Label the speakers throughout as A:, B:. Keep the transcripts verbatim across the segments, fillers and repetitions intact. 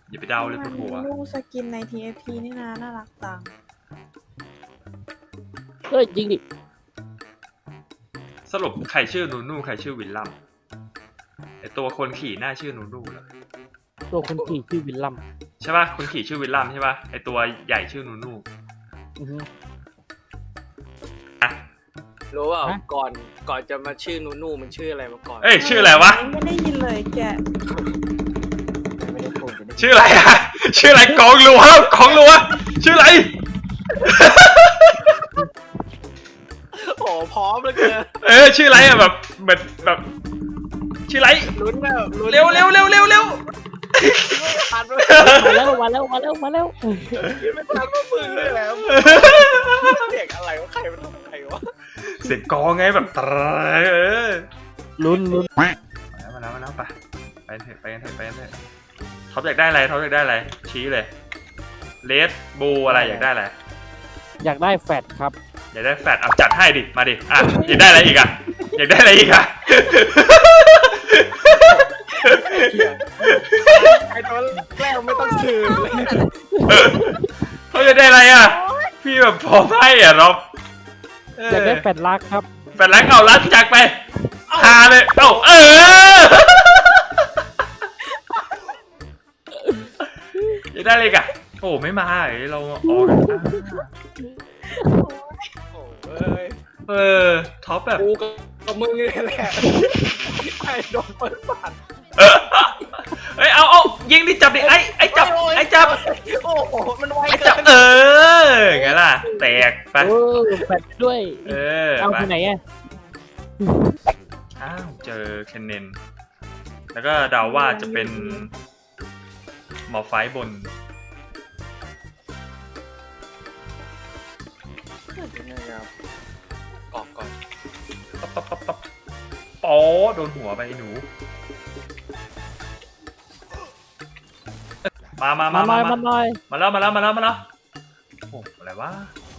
A: อย่าไปเดาเลยปวดหัว
B: ลูกสกินใน ที เอฟ พี นี่นะน่ารักจัง
C: เฮ้ยจริงดิ
A: สรุปใครชื่อนูนูใครชื่อวิลลัมไอตัวคนขี่หน้าชื่อนูนูเหรอ
C: ตัวคนขี่ชื่อวิลลัม
A: ใช่ป่ะคนขี่ชื่อวิลลัมใช่ป่ะไอตัวใหญ่ชื่อนูนู
C: อือฮึ
A: อ่ะ
D: รู้เปล่า
C: ฮะ
D: ก่อนก่อนจะมาชื่อนูนูมันชื่ออะไรมาก่อน
A: เอ้ยชื่ออะไรวะ
B: ไม่ได้ยินเลยแก
C: ไม่ได้พูดจะได้
A: ชื่ออะไรอะชื่ออะไรกองรัวกองรัวชื่ออะไร
D: โอ้พร้อมแล้วเกิน
A: เออชื่ออะไรอะแบบแบบแบบชื่ออะไร
D: ลุ้นแบบลุ้น
A: เร็วเร็วเร็วเร็วเร็ว
D: ทันไหม
C: มาแล้วมาแล้วมาแล้วมาแล้ว
D: ไม่ทันว่ามึงเลยแล้วเด็กอะไรวะใครมันทำอะไรวะ
A: เสียงกองไงแบบตรเออ
C: ลุ้นลุ้น
A: มาแล้วมาแล้วมาแล้วไปไปเถอะไปกันเถอะไปกันเถอะท็อปอยากได้อะไรท็อปอยากได้อะไรชี้เลยเลดบูอะไรอยากได้อะไร
C: อยากได้แฟดครับ
A: อยากได้แฟตเอาจัดให้ดิมาดิอ่ะอยากได้อะไรอีกอ่ะอยากได้อะไรอีกอ่ะ
D: ไอ้ตัวแรกไม่ต้องซื้อเลย
A: เขาจะได้อะไรอ่ะพี่แบบพอให้อ่ะเรา
C: อยากได้แฟดรักครับ
A: แฟนรักเอารักจักไปหาเลยเอ้าเอออยากได้อะไรอีกอ่ะโอ้ไม่มาเอ้ยเราออก
D: โอ้ย
A: เออท็อปแบบ
D: กูกับมึงนี่แหละไอ้โดนเปิดปาก
A: เอ้ยเอาเอายิงดิจับดิไอ้ไอ้จับไอ้จับ
D: โอ้โหมันไว
A: ไอ้
D: เกิ
A: จับ
D: น
A: เออไงล่ะแตกไป
C: เออแฟดด้วย
A: เออ
C: เอา
A: ไป
C: ที่ไหนอ่ะ
A: อ้าวเจอเคนเนนแล้วก็เดาว่าจะเป็นหมอไฟบน
D: ยังไงครับกอกก่อน
A: ปั๊บปั๊บปั๊บปั๊บป๋อโดนหัวไปไอ้หนูมามา
C: มา
A: มา
C: หน่
A: มา
C: อยมาหน่อย
A: มาแล้วมาแล้วมาแล้วมาแล้วโอ้อะไรวะ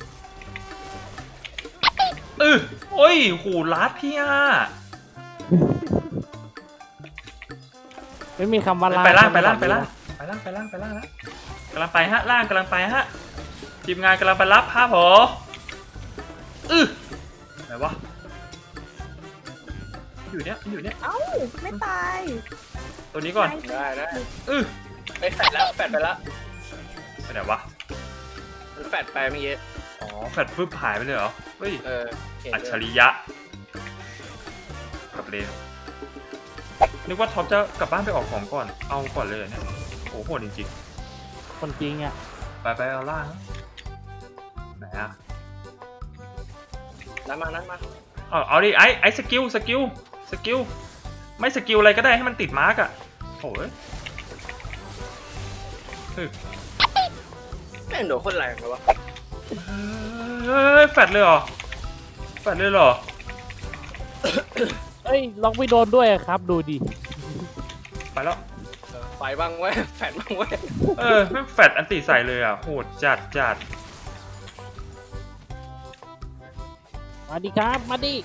A: เออโอ้ยหูลัดพี่อ่ะ
C: ไม่มีคำว่าลา
A: ไปล่างไปล่างไปล่างไปล่างไปล่างไปล่างแล้วกำลังไปฮะล่างกำลังไปฮะทีมงานกำลังไปรับฮะผมอือไหนวะอยู่เนี้ยอยู่เนี้ย
B: เอ้าไม่ตาย
A: ตัวนี้ก่อน
D: ได้ได้
A: อือ
D: ไปแฟดแล้วแฟดไปแล้ว
A: ไปไหนวะ
D: มันแฟดไปเมื่อกี้
A: อ๋อแฟดฟึบหายไปเลยเหรอเฮ้ย
D: เออเห็น
A: อัจ
D: ด้
A: ฉ
D: วย
A: ริยะกับเลนนึกว่าท็อปจะกลับบ้านไปออกของก่อนเอาก่อนเลยเหรอเนี่ยโอ้โหโหดจริง
C: คนจริงอ่ะ
A: ๆไปไปเอาล่างนะไหนอะ
D: นั่นมานั่นมา
A: เอาเอาดิไอ้ไอ้สกิลสกิลสกิลไม่สกิลอะไรก็ได้ให้มันติดมาร์กอะโอ้ย
D: แม่งโดนคนแรงเลยวะ
A: เฮ้ยแฟดเลยเหรอแฟดเลยเหรอ
C: เอ้ยล็อกไม่โดนด้วยอะครับดูดิ
A: ไปแล้ว
D: เออไปบ้างเว้ยแฟดบ้างเว้ย
A: เออไม่แฟดอันติใส่เลยอ่ะโหดจัดจัด
C: มาดิครับมาดิ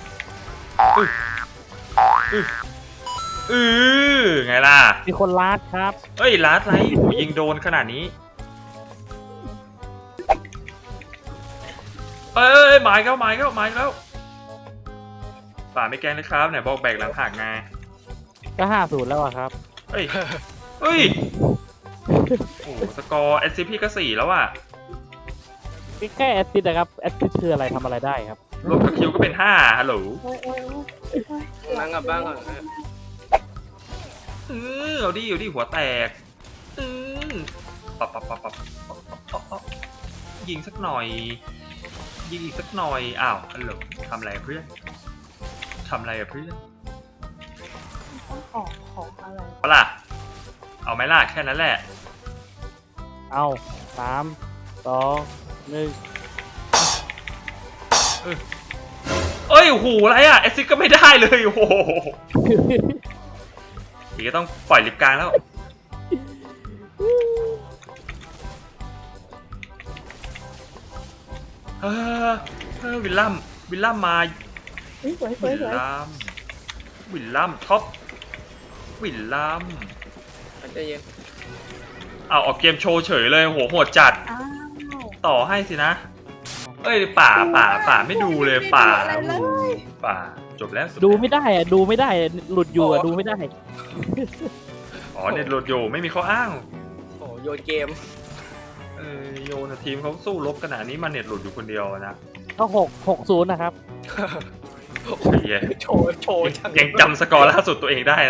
A: อือไงล่ะ
C: มีคนลาดครับ
A: เอ้ยลัดไรโหยิงโดนขนาดนี้เอ้ยหมายแล้วหมายแล้วหมายแล้วป่าไม่แกล้งนะครับไหนบอกแบกหลังหักไง
C: ก็ห้าศูนย์แล้วอะครับ
A: เฮ้ยเฮ้ยโอ้โหสกอร์ เอส ซี พี ก็สี่แล้วอ่ะ
C: แค่แอสซิสต์นะครับแอสซิสต์คืออะไรทำอะไรได้ครับ
A: รวมกับคิวก็เป็นห้าฮัลโหล
B: โอ้ยโอ้ยโอ้ยโอ้ย
D: นั่งกับบ้างก่อนเออ
A: เออเอาดิเอาดิหัวแตกอือปับปับปับปับปับปับปับปับยิงสักหน่อย ยิงอีกสักหน่อยอ้าวฮัลโหลทำอะไรอะเพื่อนทำอะไรอะเพื่อน
B: ต้องขอของอะไร
A: เอาล่ะเอาไหมล่ะแค่นั้นแหละ
C: เอาสามสองหนึ่ง
A: เอ้ยโอ้โหอะไรอะเอซิกก็ไม่ได้เลยโอ้โหอีกก็ต้องปล่อยลิฟต์กลางแล้วเออเออวิลลัมวิลลัมมา
B: เฮ้ยสวยสว
A: วิ
B: ย
A: ล
B: สวย
A: ลัมวิลลัมท็อปวิลลัม
D: ใจเย็น
A: เอาออกเกมโชว์เฉยเลยโหโหดจัด
B: อ้าว
A: ต่อให้สินะเอ้ยป่าป่าป่าไม่ดูเลยป่า
B: ไม่ดูอะไรเลย
A: ป่าจบแล้วจบแล้ว
C: ดูไม่ได้อะดูไม่ได้อะหลุดอยู่อะดูไม่ได้
A: อ๋อเน็ตโหลดอยู่ไม่มีข้ออ้าง
D: โอ้โยนเกม
A: เออโยนะทีมเขาสู้รบขนาดนี้มาเน็ตหลุดอยู่คนเดียวนะ
C: ก็หกหกศูนย์นะครับ
A: ไอ้เหี้ย
D: โชว์โชว์
A: ยังยังจำสกอร์ล่าสุดตัวเองได้นะ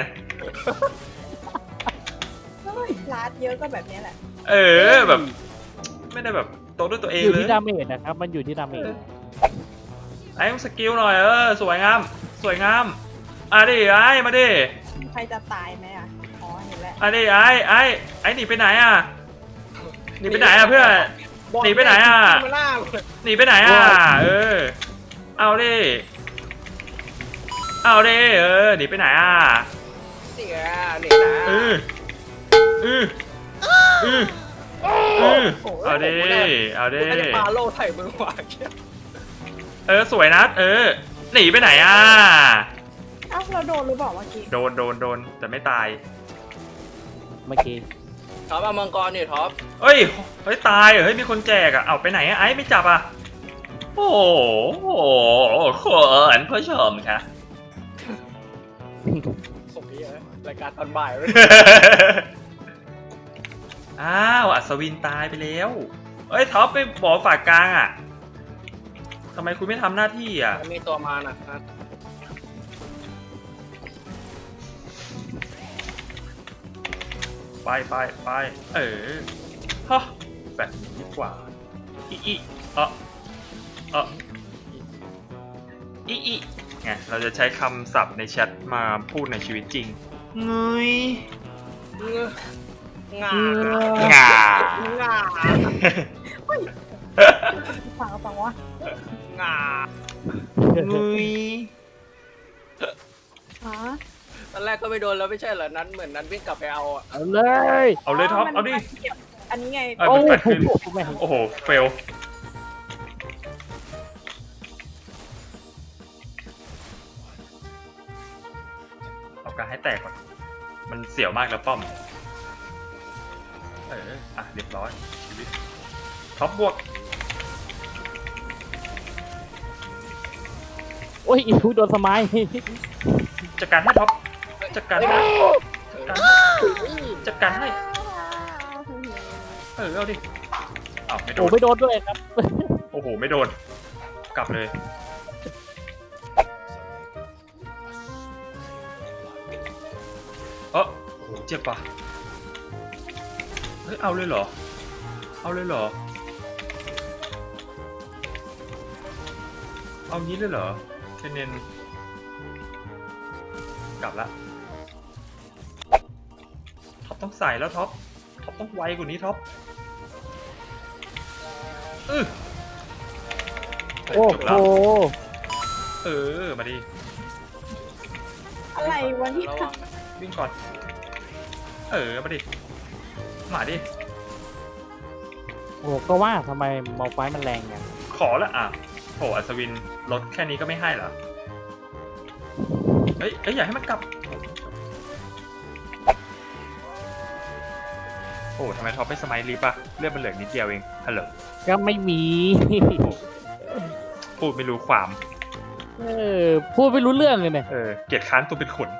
B: เฮ้ยลาดเยอะก็แบบนี้แหละ
A: เออแบบ ไม่ได้แบบโตด้วยตัวเอง
C: อยู่
A: เลย
C: ที่ดาเมจนะครับ มันอยู่ที่ดาเมจ
A: ไอ้ต้องสกิลหน่อยเออสวยงามสวยงามอ่ะดิไอ้มาดิ
B: ใครจะตายไหมอ่ะอ๋อเห็นแล้ว
A: อ่ะดิไอ้ไอ้ไอ้หนีไปไหนอ่ะหนีไปไหนอ่ะเพื่อน หนีไปไหนอะ
D: มาหน้าเลย
A: หนีไปไหนอ่ะเออเอาดิเอาดิเออหนีไปไหนอ่ะ
D: นี่ไงนี่นะ
A: เออเออเออเออเอาดิเอาดิ
D: ไม่ได้ปาโล่ไถ่มือขวาเชี่ย
A: เออสวยนะเออหนีไปไหนอ่ะ
B: เอ้าเราโดนหรือเปล่าเมื่อกี้
A: โดนโดนโดนแต่ไม่ตาย
C: เมื่อกี้
D: ท็อปเอามังกรนี่ท็อป
A: เฮ้ยเฮ้ยตายเหรอเฮ้ยมีคนแจกอ่ะเอาไปไหนอะไอ้ไม่จับอ่ะโอ้โหขอนผู้ชมค่ะ
D: ผมนี่นะรายการตอนบ่ายเลย
A: อ้าวอัศวินตายไปแล้วเอ้ยท็อปไปบอกฝากกลางอ่ะทำไมคุณไม่ทำหน้าที่อ่ะ
D: มันมีตัวมาน่ะนะ
A: ไปไปไปเออฮะแบบนี้ดีกว่าอีอีเออเอออีอีไงเราจะใช้คำศัพท์ในแชทมาพูดในชีวิตจริงเงย
D: งาง
A: า
D: งา
B: ฟังก็ฟังวะ
D: งา
A: เงย
B: ฮะ
D: ตอนแรกก็ไม่โดนแล้วไม่ใช่เหรอนั้นเหมือนนั้นวิ่งกลับไปเอาอ่ะ
C: เอาเลย
A: เอาเลยท็อปเอาดิ
B: มันเก็บอันนี้ไง
A: เอ้ย
C: โอ้
A: มันแปดขึ้น
C: โหแม่ง
A: โอ้โหเฟลเอาการให้แตกก่อนมันเสียวมากแล้วป้อมเอออ่ะเรียบร้อยชีวิตท็อปบวก
C: โอ้ยอีกโดนสมัย
A: จัดการให้ท็อปจัดการให้จัดการให้จัดการให้เออเอาดิอ้าวไม่โด
C: โอ้
A: น
C: ไม่โดนด้วยครับ
A: โอ้โหไม่โดนกลับเลยเออโอ้โหเจ็บปะเฮ้ยเอาเลยเหรอเอาเลยเหรอเอางี้เลยเหรอเคนเนนกลับละท็อปต้องใส่แล้วท็อปท็อปต้องไวกว่านี้ท็อปเออ
C: โอ้
A: จบ
C: โห
A: แล้วเออมาดิ
B: อะไรวะเนี่ย
D: ระวัง
A: วิ่งก่อนเออมาดิมาดิ
C: โอ้ก็ว่าทำไมมอลไฟมันแรงอย่าง
A: ขอละอ่ะโหอัศวินลดแค่นี้ก็ไม่ให้เหรอเฮ้ยเอ้ยอยากให้มันกลับโอ้ทำไมท็อปไม่สมัยรีบอะเลือดมันเหลือนิดเดียวเองฮัลโหล
C: ก็ไม่มี
A: พูดไม่รู้ความ
C: เออพูดไม่รู้เรื่องเลยเนี่ย
A: เออเกลียดค้านตัวเป็นขน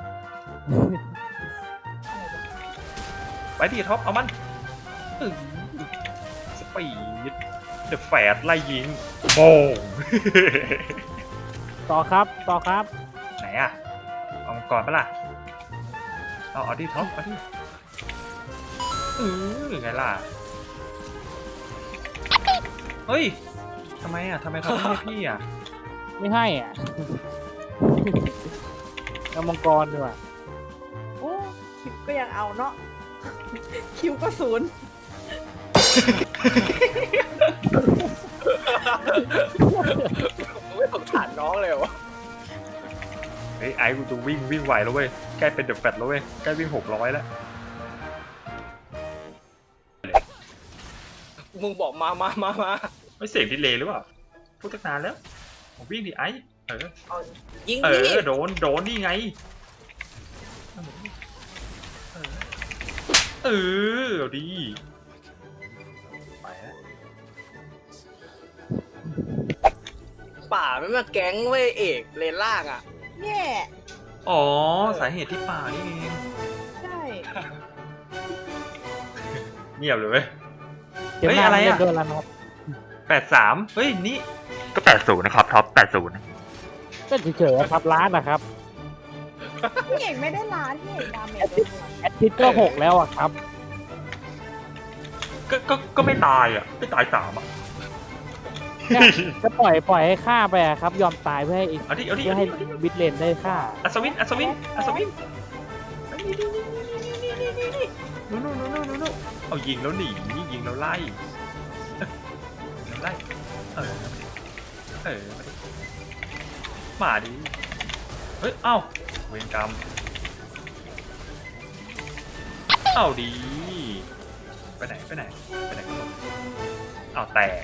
A: ไปดิท็อปเอามันอื้อสปีดเดอะแฟดไล่ยิงโป่ง
C: ต่อครับต่อครับ
A: ไหนอะเอามังกรปะล่ะเอาเอาดิท็อปเอาดิเออไงล่ะเฮ้ยทำไมอะทำไมท็อปไม่ให้พี่อะ
C: ไม่ให้อ่ะ เอามังกรดีกว่า
B: โอ้คิวก็ยังเอาเนาะคิวก็ศูนย์
D: ไม่สงสารน้องเลยวะ
A: เฮ้ยไอ้กูจะวิ่งวิ่งไหวแล้วเว้ยใกล้เป็นเดอะแฟตแล้วเว้ยใกล้วิ่งหกร้อยแล้ว
D: มึงบอกมามามามา
A: ไม่เสียงดีเลยหรือเปล่าพูดตั้งนานแล้วผมวิ่งดิไอ้เออ
D: เอายิง
A: เอ
D: ดิ
A: อโดนโดนนี่ไงเออเออเอาดี
D: ไปฮะป่าไม่มาแก๊งเว้ยเอกเลนล่างอ่ะ
B: แย่
A: อ๋อสาเหตุที่ป่านี่เอง
B: ใช่
A: เงียบเลยเว้ย
C: เดี๋ยว
A: เฮ้ย
C: หน้า
A: อะไร
C: เล่
A: อะ
C: นด้วยแล้วนะครับ
A: แปดสามเฮ้ยนี่ก็แปดศูนย์นะครับท็อปแปดศูนย์
C: ก็เฉยๆครับร้านนะครับ
B: พี่เอกไม่ได้ร้านพี่เอกดาเมจเลย
C: แอดทิตก็หกแล้วอะครับ
A: ก็ก็ก็ไม่ตายอ่ะไม่ตายสามอ่ะ
C: ก็ปล่อยปล่อยให้ฆ่าไปอะครับ ยอมตายเพื่อให้
A: เอาดิเอาดิ
C: เพื่อ
A: เอา
C: ให้
A: ดิ
C: บิดเลนได้ฆ่า
A: อัศวินอัศวินอัศวินนู่นนู่นนู่นนู่นนู่นเอายิงแล้วหนียิงแล้วไล่ไล่เออเออมาดิเฮ้ยเอ้าเวรกรรมเอ้าดีไปไหนไปไหนไปไหนเอาแตก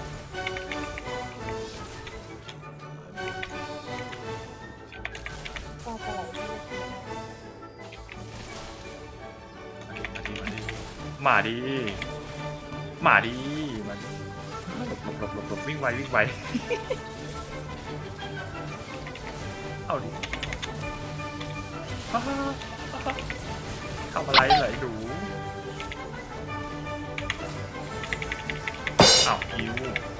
B: ก็จะไหล
A: มาดิมาดิมาดิหลบหลบหลบหลบหลบวิ่งไววิ่งไว เอาดิฮ่าฮ่าฮ่าฮ่าทำอะไรเหรอไอ้หนูอ้าวคิว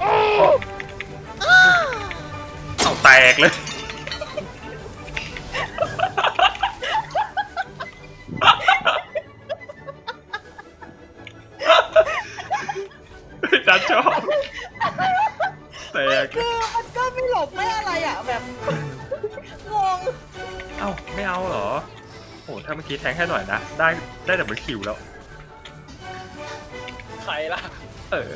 A: เอาแตกเลย จัดชอบแตก
B: คือมันก็ไม่หลบไม่อะไรอ่ะแบบงง
A: เอ้าไม่เอาเหรอโอ้ถ้าเมื่อกี้แทงให้หน่อยนะ ได้ได้ดับเบิลคิวแล้ว
D: ใครล่ะ
A: เออ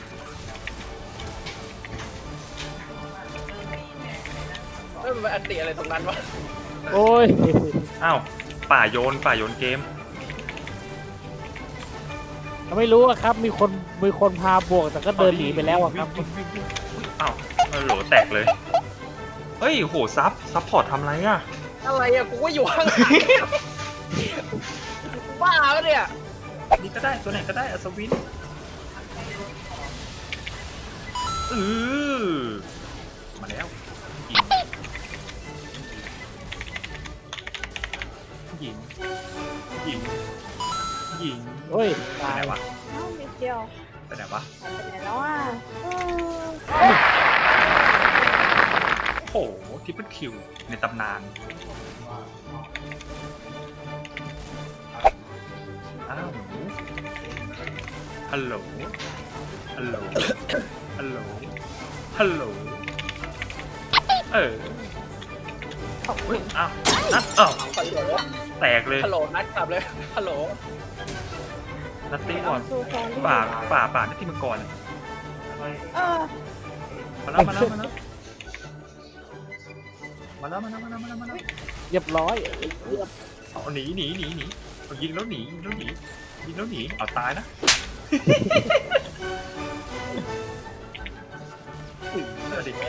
D: เอ้ยมันเป็นอันติอะไรตรงนั้นวะ
C: โอ้ย
A: อ้าวป่าโยนป่าโยนเกม
C: ไม่รู้อะครับ มีคนมีคนพาบวกแต่ก็เดินหนีไปแล้วอะครับ
A: วิ่งวิ่งวิ่งวิ่งอ้าวเออโหลแตกเลย เฮ้ยโหซับซับพอร์ตทำไรอ่ะ
D: อะไรอ่ะกูก็อยู่ข้างหลังบ้าปะเนี่ย
A: นี่ก็ได้ตัวไหนก็ได้อัศวินเออมาแล้วยิงยิงยิงยิง
C: โอ้ย
A: ไป
C: ตาย
A: ไหนวะ
B: เอ้านิดเดียว
A: ไปไหนวะ
B: หายไปไหนแล้วอ่ะเออ
A: โอ้โหทริปเปิลคิวในตำนานอ้าวหนูฮัลโหลฮัลโหลฮัลโหลฮัลโหลเออ
B: ขอบคุ
A: เฮ้ย
B: ณ
A: อ้าวนัดอ้าว
D: ฮัลโหล
A: แตกเลย
D: ฮัลโหลนัดกลับเลยฮัลโหล
A: นัดตีก่อน
B: ซูแฟน
A: ป่าป่าป่านัดตีมังกรอะ
B: เออ
A: มาแล้วมาแล้วมาแล้วมาแล้วมาแล้วมาแล้วมาแล้วมาแล้ว
C: เรียบร้อย
A: เอาหนีหนีหนีหนีเอายิงแล้วหนียิงแล้วหนียิงแล้วหนีเอาตายนะ เออดิ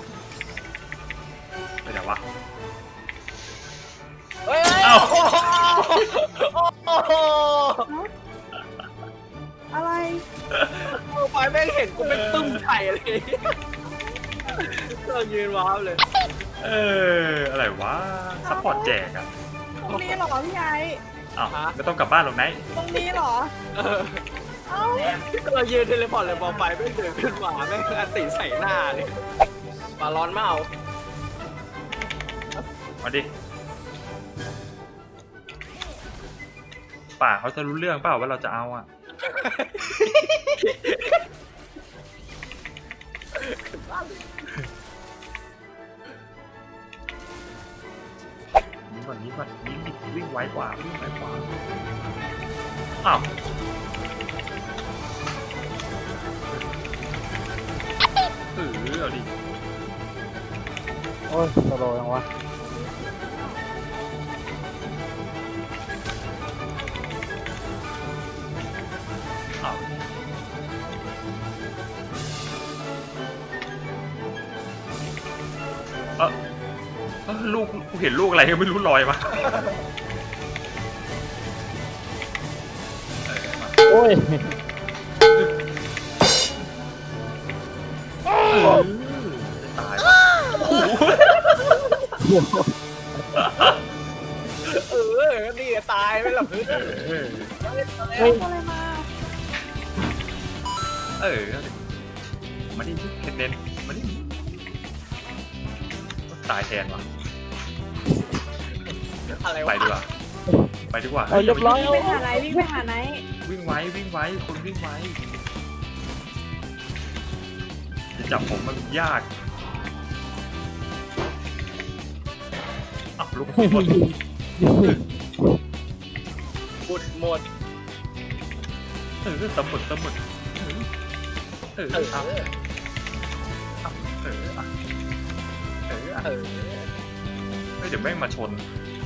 A: ไปไหนวะ
D: เฮ้ย
A: เอ้า
D: โอ้โห
B: อะไร
D: ไปแม่งเห็นกูเป็นตึ้มไข่เลยเรายืนว้าวเลย
A: เอออะไรวะซัพพอร์ตแจกอ่ะ
B: ตรงนี้เหรอพี่ไอ้
A: อ้าวไม่ต้องกลับบ้านหรอกไนท์
B: ตรงนี้เหรอ
D: เออ
B: เอ้า
D: เรายืนเทเลพอร์ตเลยพอไฟไม่เดินขึ้นมาแม่งอันติใส่หน้าเลยมาร้อนเมา
A: มาดิป่าเขาจะรู้เรื่องเปล่าว่าเราจะเอาอ่ะยิงก่อนยิงก่อนยิงดิวิ่งไวกว่าวิ่งไวกว่าอ้าวเออเอาดิ
C: โอ้ยสโลว์ยังวะ
A: อ้าวเออเออลูกกูเห็นลูกอะไรก็ไม่รู้ลอยมา
C: โอ้ย
A: เออตายวะโอ้โห
D: เออนี่ตายไม่หลับพื้น
A: เออ
C: เฮ้ย
B: อะไรมา
A: เออมาดิเคนเดนมาดิตายแทนวะ
D: อะไร
A: ไป
D: วะ
A: ดีกว่าไปดีกว่า
C: เอาเรียบร้อย
B: วิ่งไปหาไหนวิ่งไปหาไหน
A: วิ่งไว้วิ่งไว้คนวิ่งไว้จะจับผมมันยากอ้าวลูกหมด
D: บุดหมด
A: เออตำหมึกตำหมึกเออเออ
D: เออ
A: เอาเอาเออเอาเออเอา
D: เออ
A: เฮ้ยเดี๋ยวแม่งมาชน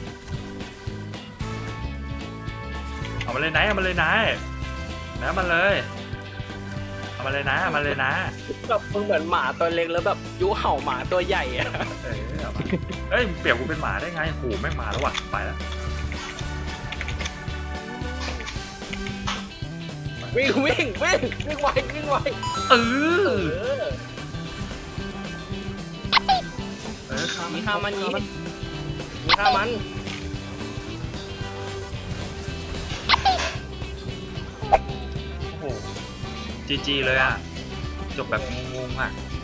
A: เอามาเลยนายเอามาเลยนายนะมาเลยเอามาเลยนะเอามาเลยนะ
D: แบบมึงเหมือนหมาตัวเล็กแล้วแบบยุเห่าหมาตัวใหญ่อะ
A: เออเอามาเอ้ยเปรียบกูเป็นหมาได้ไงโหแม่งมาแล้วว่ะไปแล้ว
D: วิ่งวิ่งวิ่งวิ่งไววิ่งไว
A: เอ
D: เอ
A: อ
D: อ
A: เออฆ่า
D: มี
A: มัน
D: ข้ามันนี้มีข้ามัน
A: โอ้โหจีจีเลยอ่ะจบแบบงงๆอ่ะ